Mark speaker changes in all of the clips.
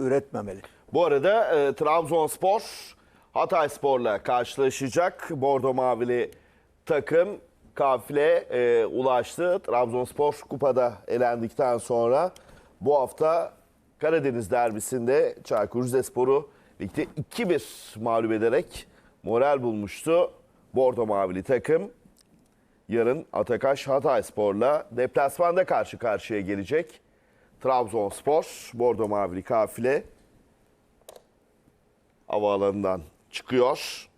Speaker 1: üretmemeli.
Speaker 2: Bu arada Trabzonspor Hatayspor'la karşılaşacak. Bordo Mavili takım kafile ulaştı. Trabzonspor kupada elendikten sonra bu hafta Karadeniz derbisinde Çaykur Rizespor'u ligde 2-1 mağlup ederek moral bulmuştu. Bordo Mavili takım yarın Atakaş Hatayspor'la deplasmanda karşı karşıya gelecek. Trabzonspor, Bordo Mavili kafile havaalanından çıkıyor.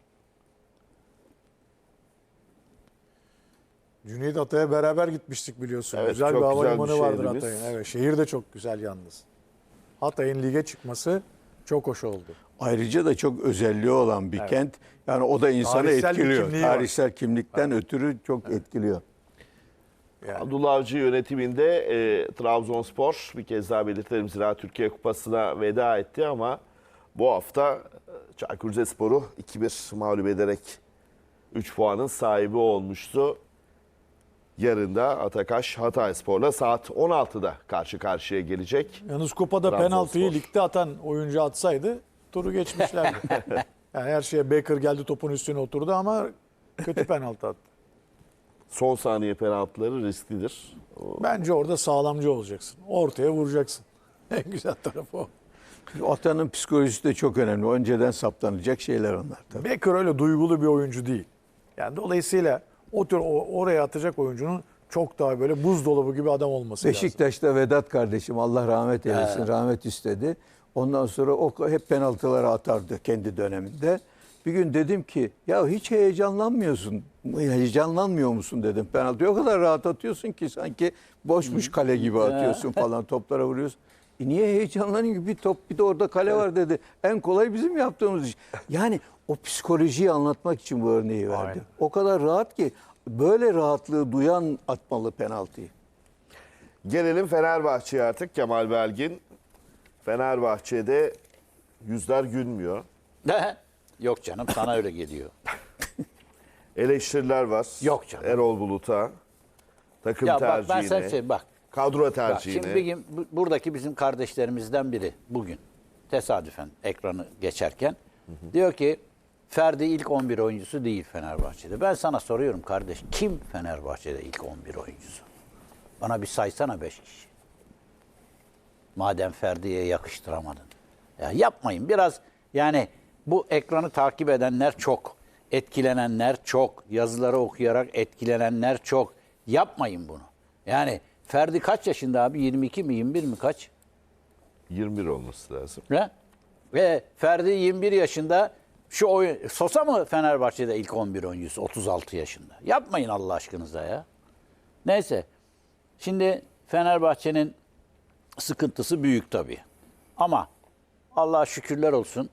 Speaker 3: Cüneyt Atay'a beraber gitmiştik biliyorsun.
Speaker 2: Evet,
Speaker 3: güzel bir
Speaker 2: çok güzel
Speaker 3: havalimanı
Speaker 2: bir
Speaker 3: vardır
Speaker 2: şehrimiz.
Speaker 3: Hatay'ın. Evet, şehir de çok güzel yalnız. Hatay'ın lige çıkması çok hoş oldu.
Speaker 1: Ayrıca da çok özelliği olan bir kent. Yani o da insanı
Speaker 3: Tarihsel bir
Speaker 1: etkiliyor.
Speaker 3: kimliği var.
Speaker 1: Tarihsel kimlikten ötürü çok etkiliyor.
Speaker 2: Abdullah Avcı yönetiminde Trabzonspor bir kez daha belirtelim Zira Türkiye Kupası'na veda etti ama bu hafta Çaykur Rizespor'u 2-1 mağlup ederek 3 puanın sahibi olmuştu. Yarın da Atakaş Hatayspor'la saat 16'da karşı karşıya gelecek.
Speaker 3: Yalnız kupada
Speaker 2: Trabzonspor.
Speaker 3: penaltıyı ligde atan oyuncu atsaydı turu geçmişlerdi. Yani her şeye Baker geldi topun üstüne oturdu ama kötü penaltı attı.
Speaker 2: Son saniye penaltıları risklidir.
Speaker 3: Bence orada sağlamcı olacaksın. Ortaya vuracaksın. En güzel tarafı o.
Speaker 1: Atanın psikolojisi de çok önemli. Önceden saptanacak şeyler onlar tabii.
Speaker 3: Baker öyle duygulu bir oyuncu değil. Yani dolayısıyla o tür oraya atacak oyuncunun çok daha böyle buzdolabı gibi adam olması lazım.
Speaker 1: Beşiktaş'ta Vedat kardeşim Allah rahmet eylesin rahmet istedi. Ondan sonra o hep penaltıları atardı kendi döneminde. Bir gün dedim ki ya hiç heyecanlanmıyorsun. Heyecanlanmıyor musun dedim. Penaltıyı o kadar rahat atıyorsun ki sanki boşmuş kale gibi atıyorsun falan toplara vuruyorsun. Niye heyecanlanayım ki bir top bir de orada kale var dedi. En kolay bizim yaptığımız iş. Yani o psikolojiyi anlatmak için bu örneği verdi.
Speaker 3: Aynen.
Speaker 1: O kadar rahat ki böyle rahatlığı duyan atmalı penaltıyı.
Speaker 2: Gelelim Fenerbahçe'ye artık Kemal Belgin. Fenerbahçe'de yüzler gülmüyor.
Speaker 4: Yok canım sana öyle geliyor.
Speaker 2: Eleştiriler var.
Speaker 4: Yok canım.
Speaker 2: Erol Bulut'a, takım
Speaker 4: Ya bak
Speaker 2: tercihine,
Speaker 4: ben sana söyleyeyim bak.
Speaker 2: kadro
Speaker 4: Bak,
Speaker 2: tercihine.
Speaker 4: şimdi bir gün buradaki bizim kardeşlerimizden biri bugün tesadüfen ekranı geçerken diyor ki Ferdi ilk 11 oyuncusu değil Fenerbahçe'de. Ben sana soruyorum kardeş kim Fenerbahçe'de ilk 11 oyuncusu? Bana bir saysana 5 kişi. Madem Ferdi'ye yakıştıramadın. Ya yapmayın biraz yani bu ekranı takip edenler çok. Etkilenenler çok. Yazıları okuyarak etkilenenler çok. Yapmayın bunu. Yani Ferdi kaç yaşında abi? 22 mi 21 mi kaç?
Speaker 2: 21 olması lazım.
Speaker 4: Ne? Ve Ferdi 21 yaşında şu oyun Sosa mı Fenerbahçe'de ilk 11 oyuncusu 36 yaşında. Yapmayın Allah aşkınıza ya. Neyse. Şimdi Fenerbahçe'nin sıkıntısı büyük tabii. Ama Allah'a şükürler olsun.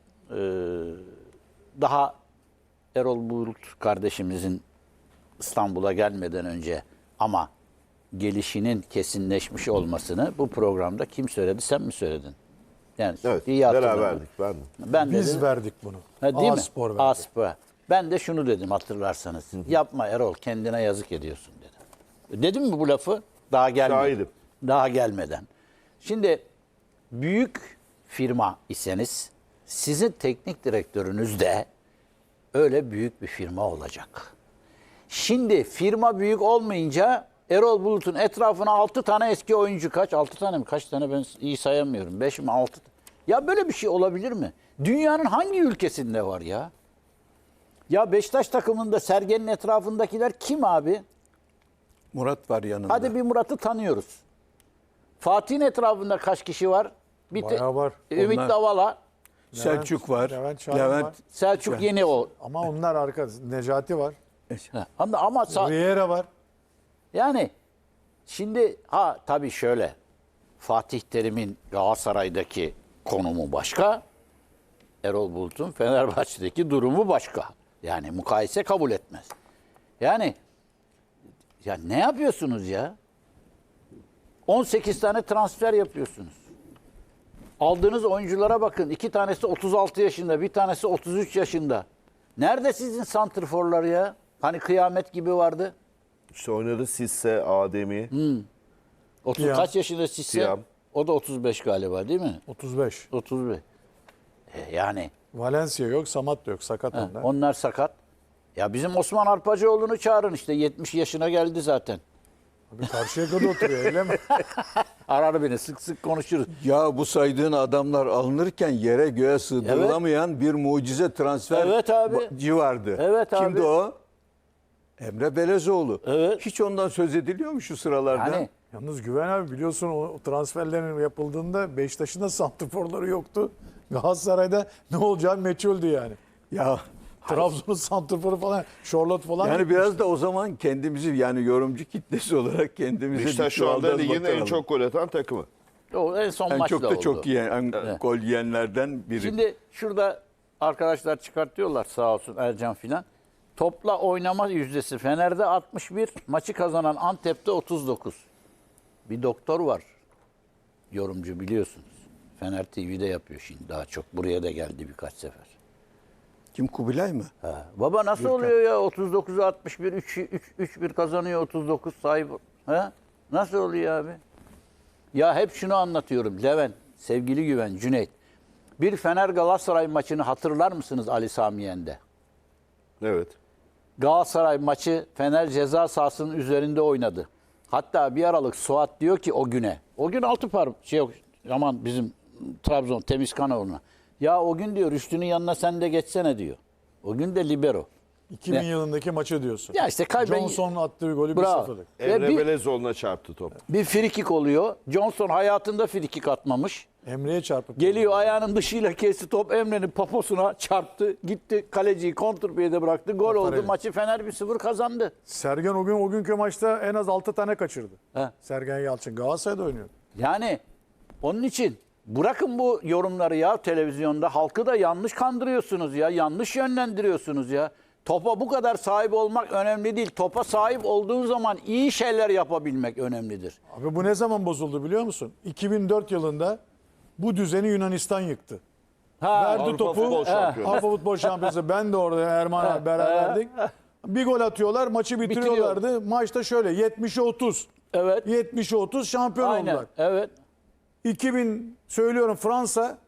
Speaker 4: Daha Erol Bulut kardeşimizin İstanbul'a gelmeden önce ama gelişinin kesinleşmiş olmasını bu programda kim söyledi? Sen mi söyledin? Yani
Speaker 2: Evet,
Speaker 4: iyi hatırladım.
Speaker 2: beraberdik ben de.
Speaker 4: Ben
Speaker 3: Biz
Speaker 4: dedim,
Speaker 3: verdik bunu.
Speaker 4: ha, değil
Speaker 3: A-Spor
Speaker 4: mi?
Speaker 3: verdi.
Speaker 4: A-Spor. Ben de şunu dedim hatırlarsanız. Yapma Erol kendine yazık ediyorsun dedim. Dedim mi bu lafı? Daha gelmeden.
Speaker 2: Şahidim.
Speaker 4: Daha gelmeden. Şimdi büyük firma iseniz sizin teknik direktörünüz de öyle büyük bir firma olacak. Şimdi firma büyük olmayınca Erol Bulut'un etrafına 6 tane eski oyuncu kaç? 6 tane mi? Kaç tane ben iyi sayamıyorum. 5 mi 6? Ya böyle bir şey olabilir mi? Dünyanın hangi ülkesinde var ya? Ya Beşiktaş takımında Sergen'in etrafındakiler kim abi?
Speaker 1: Murat var yanında.
Speaker 4: Hadi bir Murat'ı tanıyoruz. Fatih'in etrafında kaç kişi var? Bir
Speaker 3: Bayağı var.
Speaker 4: Ümit
Speaker 1: Onlar-
Speaker 4: Davala,
Speaker 1: Selçuk var.
Speaker 3: Levent Şahin var.
Speaker 4: Selçuk yeni o.
Speaker 3: Ama onlar arka. Necati var.
Speaker 4: Ha, ama
Speaker 3: Riera var.
Speaker 4: yani şimdi tabii şöyle Fatih Terim'in Galatasaray'daki konumu başka. Erol Bulut'un Fenerbahçe'deki durumu başka. Yani mukayese kabul etmez. Yani ya ne yapıyorsunuz ya? 18 tane transfer yapıyorsunuz. Aldığınız oyunculara bakın. 2 tanesi 36 yaşında, bir tanesi 33 yaşında. Nerede sizin santrforlar ya? Hani kıyamet gibi vardı.
Speaker 2: İşte oynadı Sisse, Ademi,
Speaker 4: 30
Speaker 3: Siyam.
Speaker 4: kaç yaşında Sisse?
Speaker 2: Siyam.
Speaker 4: O da 35 galiba değil mi?
Speaker 3: 35.
Speaker 4: 35. Yani
Speaker 3: Valencia yok, Samat da yok. Sakat onlar.
Speaker 4: onlar sakat. Ya bizim Osman Arpacıoğlu'nu çağırın işte 70 yaşına geldi zaten.
Speaker 3: Abi Karşıyaka'da oturuyor öyle mi?
Speaker 4: Arar beni sık sık konuşuruz.
Speaker 1: Ya bu saydığın adamlar alınırken yere göğe sığdırılamayan bir mucize transfer
Speaker 4: Evet abi.
Speaker 1: vardı.
Speaker 4: Evet abi.
Speaker 1: Kimdi o? Emre Belezoğlu.
Speaker 4: Evet.
Speaker 1: Hiç ondan söz ediliyor mu şu sıralarda?
Speaker 4: Yani
Speaker 3: Yalnız Güven abi biliyorsun o transferlerin yapıldığında Beşiktaş'ın da santrforları yoktu. Galatasaray'da ne olacağı meçhuldü yani.
Speaker 1: Ya
Speaker 3: Trabzon'un santrforu falan, Charlotte falan.
Speaker 1: yani biraz da o zaman kendimizi yani yorumcu kitlesi olarak kendimize
Speaker 2: Beşiktaş
Speaker 1: bir
Speaker 2: şu anda
Speaker 1: çuvaldan
Speaker 2: ligin en
Speaker 1: bakalım.
Speaker 2: çok gol atan takımı.
Speaker 4: o en son
Speaker 1: en
Speaker 4: maçta
Speaker 1: çok da
Speaker 4: oldu.
Speaker 1: çok yiyen, gol yiyenlerden biri.
Speaker 4: Şimdi şurada arkadaşlar çıkartıyorlar sağ olsun Ercan filan. Topla oynama yüzdesi Fener'de 61, maçı kazanan Antep'te 39. Bir doktor var. Yorumcu biliyorsunuz. Fener TV'de yapıyor şimdi daha çok. Buraya da geldi birkaç sefer.
Speaker 1: Kim, Kubilay mı?
Speaker 4: Ha. Baba nasıl oluyor ya 39'u 61, 3-1 kazanıyor 39 sahip. Ha? Nasıl oluyor abi? Ya hep şunu anlatıyorum Levent, sevgili Güven, Cüneyt. Bir Fener Galatasaray maçını hatırlar mısınız Ali Sami Yen'de?
Speaker 2: Evet.
Speaker 4: Galatasaray maçı Fener ceza sahasının üzerinde oynadı. Hatta bir aralık Suat diyor ki o güne. O gün altı par yok aman bizim Trabzon Temizkanoğlu'na. Ya o gün diyor Rüştü'nün yanına sen de geçsene diyor. O gün de libero.
Speaker 3: 2000
Speaker 4: Ne?
Speaker 3: yılındaki maçı diyorsun.
Speaker 4: Ya işte
Speaker 3: Johnson'un attığı golü
Speaker 4: Bravo.
Speaker 3: 1-0'lık.
Speaker 4: Ve
Speaker 2: Emre
Speaker 4: bir,
Speaker 2: Belezoğlu'na çarptı top.
Speaker 4: bir frikik oluyor. Johnson hayatında frikik atmamış.
Speaker 3: Emre'ye çarpıp.
Speaker 4: Geliyor ayağının dışıyla kesti top Emre'nin poposuna çarptı. Gitti kaleciyi kontrpiyede bıraktı. Gol oldu.
Speaker 3: Tafarelli.
Speaker 4: Maçı Fener 1-0 kazandı.
Speaker 3: Sergen o günkü maçta en az 6 tane kaçırdı.
Speaker 4: He.
Speaker 3: Sergen Yalçın Galatasaray'da oynuyor.
Speaker 4: Yani onun için bırakın bu yorumları ya televizyonda. Halkı da yanlış kandırıyorsunuz ya. Yanlış yönlendiriyorsunuz ya. Topa bu kadar sahip olmak önemli değil. Topa sahip olduğun zaman iyi şeyler yapabilmek önemlidir.
Speaker 3: Abi bu ne zaman bozuldu biliyor musun? 2004 yılında bu düzeni Yunanistan yıktı. Verdi
Speaker 2: Avrupa
Speaker 3: topu.
Speaker 2: Futbol Şampiyonu.
Speaker 3: Avrupa Futbol Şampiyonası. Ben de orada Erman abi beraberdik. Bir gol atıyorlar, maçı bitiriyorlardı. Maçta şöyle 70'e 30.
Speaker 4: Evet.
Speaker 3: 70'e 30 şampiyon
Speaker 4: Aynen.
Speaker 3: oldular.
Speaker 4: Evet.
Speaker 3: 2000 söylüyorum Fransa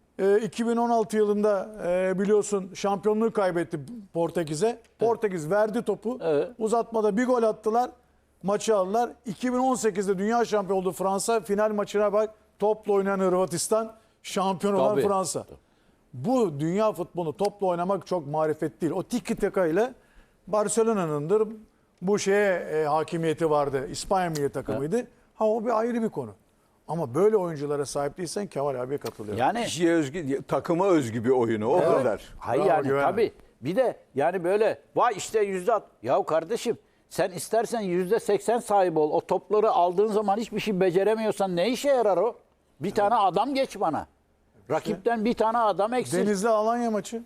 Speaker 3: 2016 yılında biliyorsun şampiyonluğu kaybetti Portekiz'e. Portekiz verdi topu.
Speaker 4: Evet.
Speaker 3: Uzatmada bir gol attılar. Maçı aldılar. 2018'de dünya şampiyonu oldu Fransa. Final maçına bak. Topla oynayan Hırvatistan, şampiyon olan
Speaker 4: Tabii.
Speaker 3: Fransa. Bu dünya futbolu topla oynamak çok marifet değil. O tiki taka ile Barcelona'nındır. Bu şeye hakimiyeti vardı. İspanya milli takımıydı. Ha o bir ayrı bir konu. Ama böyle oyunculara sahip değilsen Kemal abiye katılıyorum.
Speaker 4: Yani
Speaker 1: Kişiye özgü, takıma özgü bir oyunu o kadar.
Speaker 4: hayır
Speaker 3: Bravo,
Speaker 4: yani
Speaker 3: Güven abi.
Speaker 4: tabii. Bir de yani böyle vay işte %60. Ya kardeşim sen istersen %80 sahibi ol. O topları aldığın zaman hiçbir şey beceremiyorsan ne işe yarar o? Bir tane adam geç bana. Rakipten bir tane adam eksik.
Speaker 3: Denizli Alanya maçı.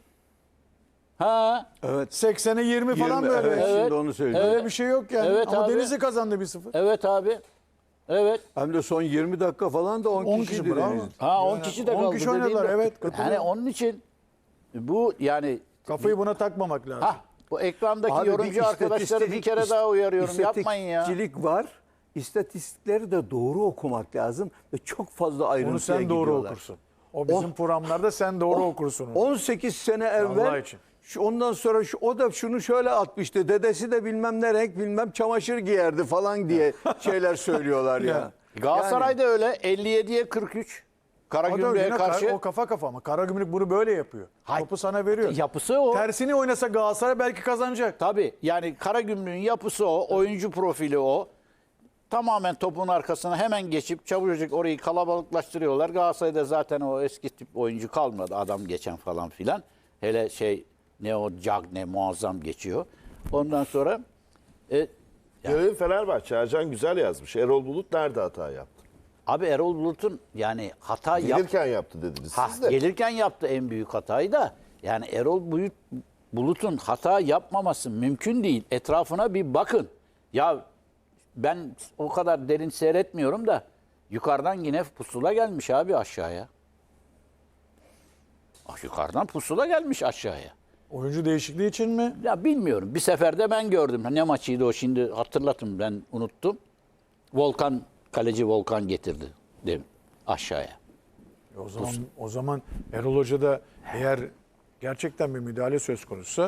Speaker 4: Ha.
Speaker 1: Evet.
Speaker 3: 80'e 20 falan
Speaker 1: 20,
Speaker 3: böyle.
Speaker 1: evet,
Speaker 4: Evet.
Speaker 1: şimdi onu söyleyeceğim.
Speaker 3: Öyle bir şey yok yani.
Speaker 4: Evet
Speaker 3: Ama
Speaker 4: abi.
Speaker 3: Denizli kazandı 1-0.
Speaker 4: Evet abi. Evet.
Speaker 1: Hem de son 20 dakika falan da 10
Speaker 3: 10
Speaker 1: kişiydi.
Speaker 3: kişi bravo.
Speaker 1: Denizli.
Speaker 4: Ha 10 kişi de
Speaker 3: 10
Speaker 4: kaldı.
Speaker 3: kişi oynadılar,
Speaker 4: dediğin de-
Speaker 3: evet, katılıyorum.
Speaker 4: Yani onun için bu yani
Speaker 3: Kafayı buna takmamak lazım.
Speaker 4: bu ekrandaki
Speaker 1: Abi bir
Speaker 4: yorumcu arkadaşları bir kere daha uyarıyorum. Yapmayın ya.
Speaker 1: İstatistikçilik var. İstatistikleri de doğru okumak lazım ve çok fazla ayrıntıya
Speaker 3: Onu sen doğru
Speaker 1: gidiyorlar.
Speaker 3: okursun. O bizim programlarda sen doğru okursun. onu.
Speaker 1: 18 sene
Speaker 3: Allah
Speaker 1: evvel
Speaker 3: için.
Speaker 1: ondan sonra o da şunu şöyle atmıştı. Dedesi de bilmem ne renk bilmem çamaşır giyerdi falan diye şeyler söylüyorlar ya.
Speaker 4: Galatasaray'da öyle 57'ye 43.
Speaker 3: O da
Speaker 4: Karagümrük'e
Speaker 3: yine
Speaker 4: karşı
Speaker 3: o kafa kafa ama Karagümrük bunu böyle yapıyor.
Speaker 4: Hayır.
Speaker 3: Topu sana veriyor.
Speaker 4: yapısı o.
Speaker 3: Tersini oynasa Galatasaray belki kazanacak.
Speaker 4: Tabii yani Karagümrük'ün yapısı o, oyuncu profili o. Tamamen topun arkasına hemen geçip çabucak orayı kalabalıklaştırıyorlar. Galatasaray'da zaten o eski tip oyuncu kalmadı. Adam geçen falan filan. Hele ne o Cagne muazzam geçiyor. Ondan sonra
Speaker 2: Gelelim Fenerbahçe. Ercan güzel yazmış. Erol Bulut nerede hata yaptı?
Speaker 4: abi Erol Bulut'un yani hata
Speaker 2: Gelirken yaptı dediniz
Speaker 4: Ha,
Speaker 2: siz de.
Speaker 4: gelirken yaptı en büyük hatayı da. Yani Erol Bulut'un hata yapmaması mümkün değil. Etrafına bir bakın. Ya ben o kadar derin seyretmiyorum da yukarıdan yine pusula gelmiş abi aşağıya. Yukarıdan pusula gelmiş aşağıya.
Speaker 3: Oyuncu değişikliği için mi?
Speaker 4: Ya bilmiyorum. Bir seferde ben gördüm. Ne maçıydı o şimdi hatırlatın ben unuttum. Kaleci Volkan getirdi. Değil mi? aşağıya.
Speaker 3: O zaman Erol Hoca da eğer gerçekten bir müdahale söz konusu